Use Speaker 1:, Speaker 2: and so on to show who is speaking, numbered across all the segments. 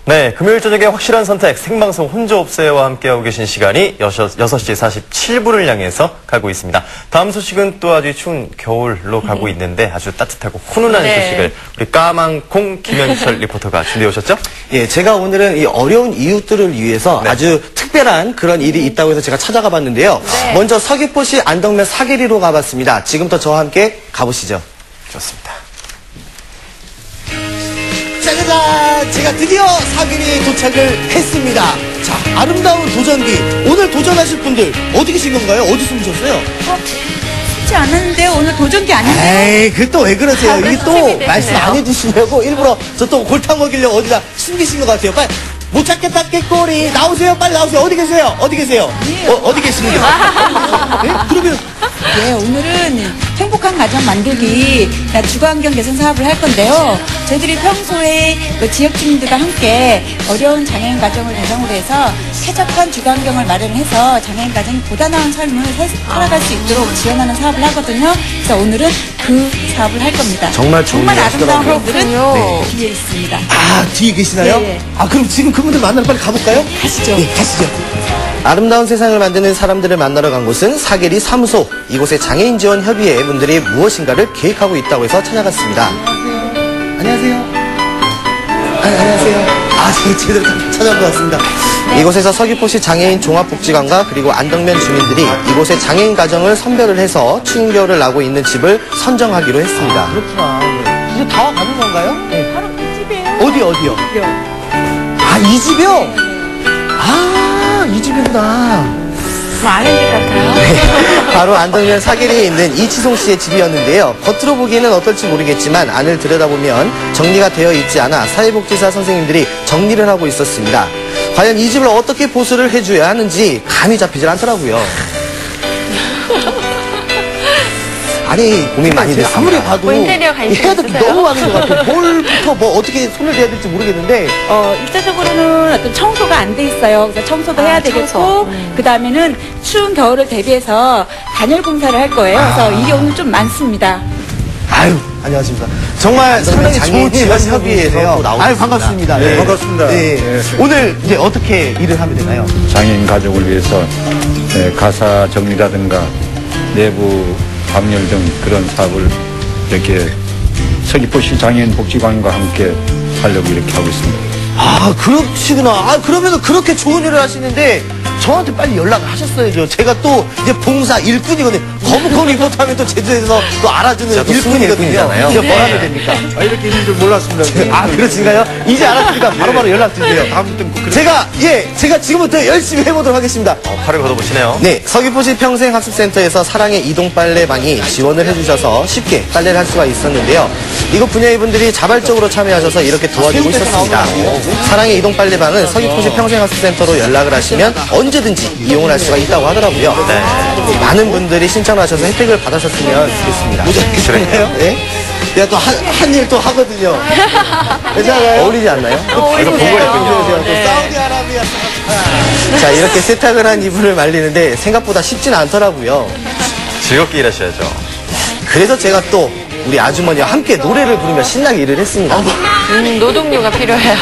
Speaker 1: 네, 금요일 저녁에 확실한 선택, 생방송 혼자 없어요와 함께하고 계신 시간이 6시 47분을 향해서 가고 있습니다. 다음 소식은 또 아주 추운 겨울로 가고 있는데 아주 따뜻하고 훈훈한 소식을 우리 까망콩 김현철 리포터가 준비해 오셨죠?
Speaker 2: 예, 제가 오늘은 이 어려운 이웃들을 위해서 아주 특별한 그런 일이 있다고 해서 제가 찾아가 봤는데요. 먼저 서귀포시 안덕면 사계리로 가봤습니다. 지금부터 저와 함께 가보시죠.
Speaker 1: 좋습니다.
Speaker 2: 짜자잔! 제가 드디어 사계리에 도착을 했습니다. 자, 아름다운 도전기. 오늘 도전하실 분들 어디 계신 건가요? 어디 숨으셨어요?
Speaker 3: 쉽지 않았는데 오늘 도전기 아닌데요?
Speaker 2: 에이, 그 또 왜 그러세요? 이게 또
Speaker 3: 선생님이
Speaker 2: 말씀
Speaker 3: 되시네요.
Speaker 2: 안 해주시려고 일부러 저 또 골탕 먹이려고 어디다 숨기신 것 같아요. 빨리 못 찾겠다 깨꼬리 나오세요. 빨리 나오세요. 어디 계세요? 어디 계세요? 어디 계시는데요? 네? 그러면
Speaker 3: 네, 오늘은 행복한 가정 만들기 주거환경 개선 사업을 할 건데요. 저희들이 평소에 그 지역 주민들과 함께 어려운 장애인 가정을 대상으로 해서 쾌적한 주거환경을 마련해서 장애인 가정이 보다 나은 삶을 살아갈 수 있도록 지원하는 사업을 하거든요. 그래서 오늘은 그 사업을 할 겁니다.
Speaker 2: 정말 좋은 일
Speaker 3: 아름다운
Speaker 2: 하시더라고요.
Speaker 3: 분들은 뒤에 있습니다.
Speaker 2: 아, 뒤에 계시나요?
Speaker 3: 네.
Speaker 2: 아, 그럼 지금 그분들 만나러 빨리 가볼까요?
Speaker 3: 가시죠.
Speaker 2: 네, 가시죠. 아름다운 세상을 만드는 사람들을 만나러 간 곳은 사계리 사무소. 이곳에 장애인 지원 협의회 분들이 무엇인가를 계획하고 있다고 해서 찾아갔습니다. 안녕하세요. 안녕하세요. 아, 제대로 찾아온 것 같습니다. 이곳에서 서귀포시 장애인 종합복지관과 그리고 안덕면 주민들이 이곳의 장애인 가정을 선별을 해서 추운 겨울을 나고 있는 집을 선정하기로 했습니다. 아, 그렇구나. 이제 다 가는 건가요? 네.
Speaker 3: 바로 이 집이에요.
Speaker 2: 어디요? 아, 이 집이요? 아, 이 집이구나.
Speaker 3: 아는 집 같아요.
Speaker 2: 네, 바로 안덕면 사계리에 있는 이치송 씨의 집이었는데요. 겉으로 보기에는 어떨지 모르겠지만 안을 들여다보면 정리가 되어 있지 않아 사회복지사 선생님들이 정리를 하고 있었습니다. 과연 이 집을 어떻게 보수를 해줘야 하는지 감이 잡히질 않더라고요. 아니, 고민 많이 됐습니다. 아무리 봐도
Speaker 4: 인테리어 관심
Speaker 2: 해야 될 게
Speaker 4: 있으세요?
Speaker 2: 너무 많은 것 같아요. 뭘부터 뭐 어떻게 손을 대야 될지 모르겠는데.
Speaker 3: 일차적으로는 어떤 청소가 안 돼 있어요. 그래서 청소도 해야 되겠고, 그 다음에는 추운 겨울을 대비해서 단열 공사를 할 거예요. 그래서 일이 오늘 좀 많습니다.
Speaker 2: 아유, 안녕하십니까. 정말 상당히 좋은 지원 협의회에서 나오셨습니다. 아유, 반갑습니다.
Speaker 5: 네, 반갑습니다.
Speaker 2: 네.
Speaker 5: 네.
Speaker 2: 오늘 이제 어떻게 일을 하면 되나요?
Speaker 5: 장애인 가족을 위해서 가사 정리라든가 내부 방열 등 그런 사업을 이렇게 서귀포시 장애인 복지관과 함께 하려고 이렇게 하고 있습니다.
Speaker 2: 아, 그러시구나. 아, 그러면 그렇게 좋은 일을 하시는데 저한테 빨리 연락을 하셨어야죠. 제가 또 이제 봉사 일꾼이거든요. 거북거북 리포터 하면 또 제주에서 또 알아주는 일꾼이거든요.
Speaker 1: 일꾼이잖아요.
Speaker 2: 제가 뭘 하면 됩니까?
Speaker 5: 아, 이렇게 있는 줄 몰랐습니다.
Speaker 2: 아, 그러신가요? 이제 알았으니까 바로바로 연락 주세요.
Speaker 5: 다음부터는 꼭 그렇게.
Speaker 2: 제가 지금부터 열심히 해보도록 하겠습니다.
Speaker 1: 팔을 걷어보시네요.
Speaker 2: 네, 서귀포시 평생학습센터에서 사랑의 이동 빨래방이 지원을 해주셔서 쉽게 빨래를 할 수가 있었는데요. 이곳 분야의 분들이 자발적으로 참여하셔서 이렇게 도와주고 있었습니다. 사랑의 이동 빨래방은 서귀포시 평생학습센터로 연락을 하시면 언제든지 이용을 할 수가 있다고 하더라고요. 네, 많은 분들이 신청을 하셔서 혜택을 받으셨으면 좋겠습니다.
Speaker 1: 그래요?
Speaker 2: 네? 제가 또 한 일 또 하거든요. 괜찮아요? 어울리지 않나요?
Speaker 1: 이거 보고했군요.
Speaker 2: 또 사우디아라비아. 자, 이렇게 세탁을 한 이불을 말리는데 생각보다 쉽지는 않더라고요.
Speaker 1: 즐겁게 일하셔야죠.
Speaker 2: 그래서 제가 또 우리 아주머니와 함께 노래를 부르며 신나게 일을 했습니다.
Speaker 4: 노동요가 필요해요.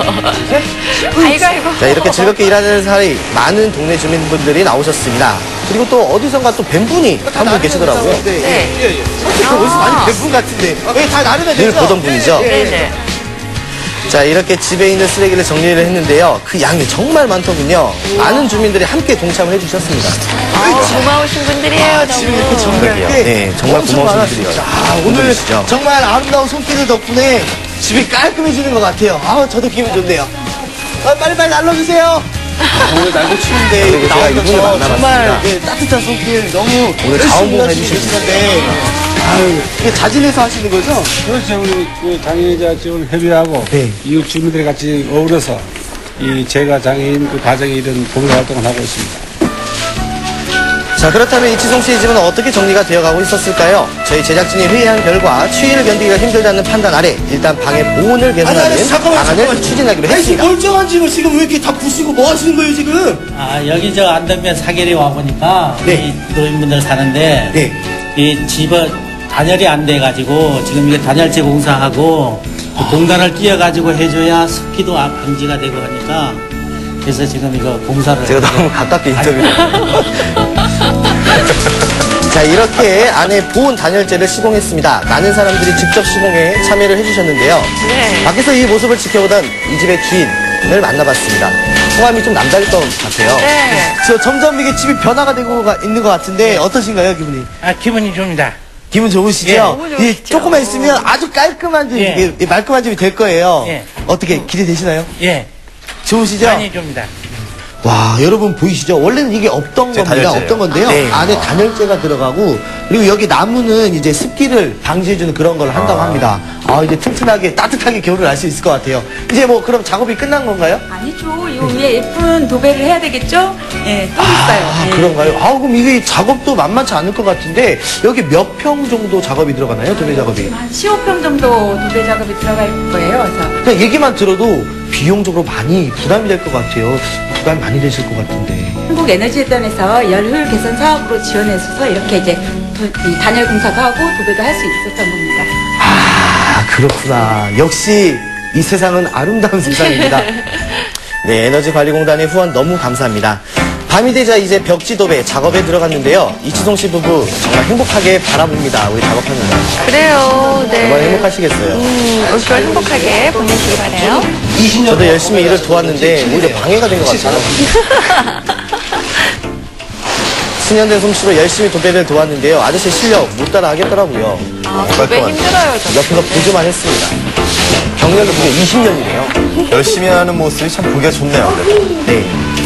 Speaker 4: 아이고, 아이고.
Speaker 2: 자, 이렇게 즐겁게 일하는 사이 많은 동네 주민분들이 나오셨습니다. 그리고 또 어디선가 또 뵌분이 한 분 계시더라고요.
Speaker 4: 네.
Speaker 2: 어디서 많이 뵌 분 같은데. 여기 다 나름의 늘 보던 분이죠.
Speaker 4: 네네.
Speaker 2: 자, 이렇게 집에 있는 쓰레기를 정리를 했는데요. 그 양이 정말 많더군요. 많은 주민들이 함께 동참을 해주셨습니다.
Speaker 4: 고마우신 분들이에요, 너무.
Speaker 1: 그러게요.
Speaker 2: 네, 정말 고마운 분들이요. 자, 오늘
Speaker 1: 분들이시죠.
Speaker 2: 정말 아름다운 손길을 덕분에 집이 깔끔해지는 것 같아요. 아, 저도 기분 좋네요. 빨리빨리 날려주세요. 오늘 날도 추운데
Speaker 1: 그리고 제가 이분을 만나봤습니다.
Speaker 2: 정말 따뜻한 손길 너무
Speaker 1: 오늘 자원봉사 해주시는데
Speaker 2: 아유, 이게 자진해서 하시는 거죠?
Speaker 6: 그렇죠. 우리 그 장애인자 지원 협의하고
Speaker 2: 네.
Speaker 6: 이웃 주민들이 같이 어우러서 이 제가 장애인 그 가정에 이런 봉사 활동을 하고 있습니다.
Speaker 2: 자, 그렇다면 이치송 씨의 집은 어떻게 정리가 되어가고 있었을까요? 저희 제작진이 회의한 결과 추위를 견디기가 힘들다는 판단 아래 일단 방의 보온을 개선하는 방안을 추진하기로 했습니다.
Speaker 7: 멀쩡한 집을 지금 왜 이렇게 다 부수고 뭐 하시는 거예요 지금?
Speaker 8: 아, 여기 저 안덕면 사계리 와보니까
Speaker 2: 네.
Speaker 8: 이 노인분들 사는데
Speaker 2: 네.
Speaker 8: 이 집은 단열이 안 돼가지고 지금 이게 단열재 공사하고 공단을 띄어가지고 해줘야 습기도 방지가 되고 하니까 그래서 지금 이거 공사를
Speaker 2: 제가 너무 가깝게 인터뷰를. 자, 이렇게 안에 보온 단열재를 시공했습니다. 많은 사람들이 직접 시공에 참여를 해주셨는데요.
Speaker 4: 네.
Speaker 2: 밖에서 이 모습을 지켜보던 이 집의 주인을 만나봤습니다. 성함이 좀 남다를 것 같아요.
Speaker 4: 네.
Speaker 2: 저 점점 이게 집이 변화가 되고 있는 것 같은데 어떠신가요, 기분이?
Speaker 8: 기분이 줍니다.
Speaker 2: 기분 좋으시죠?
Speaker 8: 예,
Speaker 4: 너무 좋으시죠.
Speaker 2: 이 조금만 있으면 아주 깔끔한 집,
Speaker 8: 예.
Speaker 2: 이게 말끔한 집이 될 거예요.
Speaker 8: 예.
Speaker 2: 어떻게 기대되시나요?
Speaker 8: 예,
Speaker 2: 좋으시죠?
Speaker 8: 많이 줍니다.
Speaker 2: 와, 여러분 보이시죠? 원래는 이게 없던
Speaker 1: 제
Speaker 2: 겁니다.
Speaker 1: 단열재예요.
Speaker 2: 없던 건데요.
Speaker 8: 네.
Speaker 2: 안에 단열재가 들어가고 그리고 여기 나무는 이제 습기를 방지해주는 그런 걸 한다고 합니다. 아, 이제 튼튼하게 따뜻하게 겨울을 알 수 있을 것 같아요. 이제 뭐 그럼 작업이 끝난 건가요?
Speaker 3: 아니죠. 요 위에 예쁜 도배를 해야 되겠죠? 예, 또 있어요.
Speaker 2: 아,
Speaker 3: 예.
Speaker 2: 그런가요? 아, 그럼 이게 작업도 만만치 않을 것 같은데 여기 몇 평 정도 작업이 들어가나요? 도배 작업이?
Speaker 3: 한 15평 정도 도배 작업이 들어갈 거예요. 그래서
Speaker 2: 그냥 얘기만 들어도 비용적으로 많이 부담이 될 것 같아요. 부담이 많이 되실 것 같은데.
Speaker 3: 한국에너지재단에서 열효율 개선 사업으로 지원해서 이렇게 이제 이 단열 공사도 하고 도배도 할 수 있었던 겁니다.
Speaker 2: 아, 그렇구나. 역시 이 세상은 아름다운 세상입니다. 네, 에너지관리공단의 후원 너무 감사합니다. 밤이 되자 이제 벽지 도배 작업에 들어갔는데요. 이치송 씨 부부 정말 행복하게 바라봅니다. 우리 작업하면서.
Speaker 4: 그래요. 네.
Speaker 2: 정말 행복하시겠어요.
Speaker 4: 올겨울 행복하게 보내시기 바래요.
Speaker 2: 저도 열심히 일을 도왔는데 오히려 방해가 된 것 같아요. 수년된 솜씨로 열심히 도배를 도왔는데요. 아저씨 실력 못 따라 하겠더라고요.
Speaker 4: 도배 힘들어요, 저.
Speaker 2: 옆에서 보조만 했습니다. 경력이 무려 20년이네요.
Speaker 1: 열심히 하는 모습이 참 보기가 좋네요. 그래도.
Speaker 2: 네.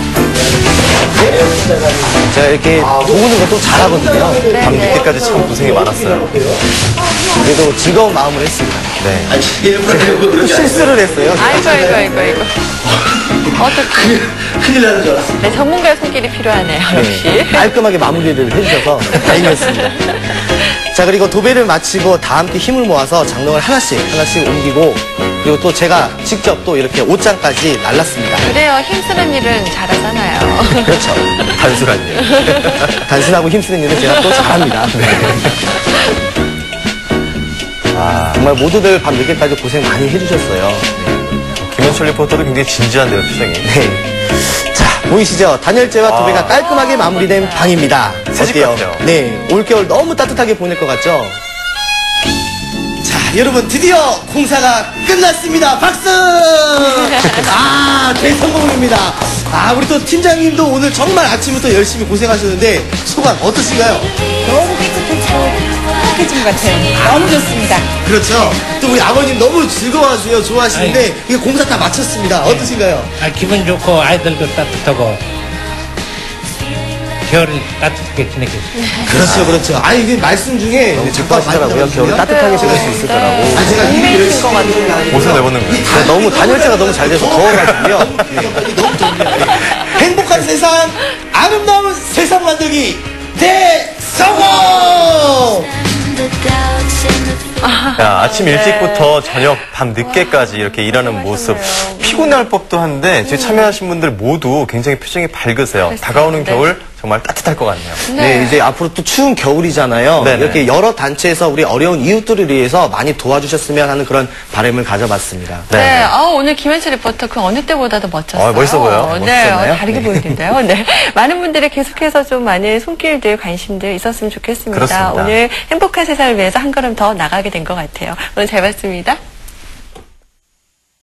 Speaker 2: 제가 이렇게 도우는 것도 잘하거든요.
Speaker 1: 밤 늦게까지 참 고생이 많았어요.
Speaker 2: 그래도 즐거운 마음으로 했습니다.
Speaker 1: 네.
Speaker 2: 또 실수를 했어요.
Speaker 4: 아이고. 어떻게.
Speaker 2: 큰일 나는 줄 알았어요.
Speaker 4: 네, 전문가의 손길이 필요하네요, 역시.
Speaker 2: 네, 깔끔하게 마무리를 해주셔서 다행이었습니다. 자, 그리고 도배를 마치고 다 함께 힘을 모아서 장롱을 하나씩 옮기고 그리고 또 제가 직접 또 이렇게 옷장까지 날랐습니다.
Speaker 4: 그래요. 힘쓰는 일은 잘하잖아요.
Speaker 2: 그렇죠.
Speaker 1: 단순한 일.
Speaker 2: 단순하고 힘쓰는 일은 제가 또 잘합니다. 정말 모두들 밤 늦게까지 고생 많이 해주셨어요.
Speaker 1: 김현철 리포터도 굉장히 진지한데요, 표정이.
Speaker 2: 네. 자, 보이시죠? 단열재와 도배가 깔끔하게 마무리된 방입니다.
Speaker 1: 새집
Speaker 2: 어때요?
Speaker 1: 같아요.
Speaker 2: 네, 올겨울 너무 따뜻하게 보낼 것 같죠? 자, 여러분 드디어 공사가 끝났습니다. 박수! 아, 대성공입니다. 아, 우리 또 팀장님도 오늘 정말 아침부터 열심히 고생하셨는데 소감 어떠신가요?
Speaker 3: 너무 깨끗해지고 행복해진 것 같아요. 너무 좋습니다.
Speaker 2: 그렇죠. 또 우리 아버님 너무 즐거워하세요. 좋아하시는데 이게 공사 다 마쳤습니다. 어떠신가요?
Speaker 8: 기분 좋고 아이들도 따뜻하고 겨울을 따뜻하게 지내겠습니다.
Speaker 2: 그렇죠. 아니, 이게 말씀 중에
Speaker 1: 듣고 하시더라고요. 겨울 따뜻하게 지낼 수 있을 거라고.
Speaker 2: 아니, 제가
Speaker 4: 인맥인 것 같아요.
Speaker 1: 옷을 내보는 거예요.
Speaker 2: 네, 너무 단열재가 너무 잘 돼서 더워가지고요. 너무 좋네요. 행복한 세상, 아름다운 세상 만들기 대성공!
Speaker 1: 야, 아침 일찍부터 저녁 밤 늦게까지 이렇게 일하는 모습 피곤할 법도 한데 지금 참여하신 분들 모두 굉장히 표정이 밝으세요. 다가오는
Speaker 4: 네.
Speaker 1: 겨울 정말 따뜻할 것 같네요.
Speaker 2: 네, 이제 앞으로 또 추운 겨울이잖아요.
Speaker 1: 네네.
Speaker 2: 이렇게 여러 단체에서 우리 어려운 이웃들을 위해서 많이 도와주셨으면 하는 그런 바람을 가져봤습니다.
Speaker 4: 네, 오늘 김현철 리포터 그 어느 때보다도 멋졌어요.
Speaker 1: 멋있어 보여요.
Speaker 4: 네,
Speaker 2: 멋있었나요?
Speaker 4: 다르게 보이는데요. 네, 많은 분들이 계속해서 좀 많은 손길들, 관심들 있었으면 좋겠습니다.
Speaker 1: 그렇습니다.
Speaker 4: 오늘 행복한 세상을 위해서 한 걸음 더 나가게 된 것 같아요. 오늘 잘 봤습니다.